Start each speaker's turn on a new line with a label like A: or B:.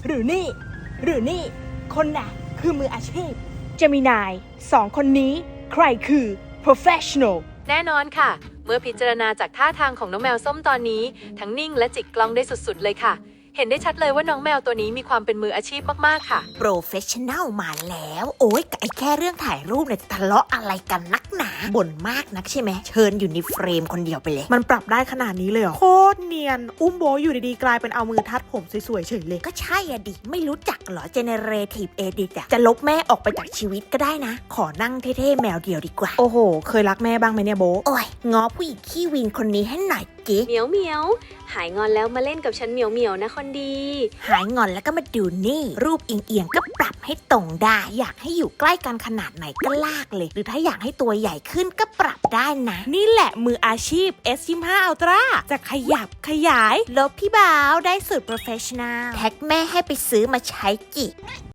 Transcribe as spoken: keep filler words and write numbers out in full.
A: หรือนี่หรือนี่คนน่ะคือมืออาชีพเจมินายสองคนนี้ใครคือ professional
B: แน่นอนค่ะ เมื่อพิจารณาจากท่าทางของน้องแมวส้มตอนนี้ ทั้งนิ่งและจิกกล้องได้สุดๆเลยค่ะ เห็นได้ชัดเลยว่าน้องแมวตัวนี้มีความเป็นมืออาชีพมากๆค่ะ
C: โปรเฟชชั่นแนลมาแล้ว โอ้ยไอ้แค่เรื่องถ่ายรูปเนี่ยทะเลาะอะไรกันนักหนาบ่นมากนักใช่ไหมเชิญอยู่ในเฟรมคนเดียวไปเลย
D: มันปรับได้ขนาดนี้เลยเหรอโคตรเนียนอุ้มโบอยู่ดีๆกลายเป็นเอามือทัดผมสวยๆเฉยเลย
C: ก็ใช่อะดิ ไม่รู้จักเหรอ generative edit อะจะลบแม่ออกไปจากชีวิตก็ได้นะ ขอนั่งเท่ๆแมวเดียวดีกว่า
D: โอ้โหเคยรักแม่บ้างไหมเนี่ยโบ
C: โอ้ยง้อผู้หญิงขี้วีนคนนี้ให้หน่อยจิ
B: เหมียวเหมียวหายงอนแล้วมาเล่นกับฉันเหมียวเหมียวนะคนดี
C: หายงอนแล้วก็มาดูนี่ รูปเอียงๆก็ปรับให้ตรงได้ อยากให้อยู่ใกล้กันขนาดไหนก็ลากเลย หรือถ้าอยากให้ตัวใหญ่ขึ้นก็ปรับได้นะ
D: นี่แหละมืออาชีพ เอส ยี่สิบห้า Ultra จะขยับขยาย
C: ลบพี่บ่าวได้สูตร professional แท็กแม่ให้ไปซื้อมาใช้จิ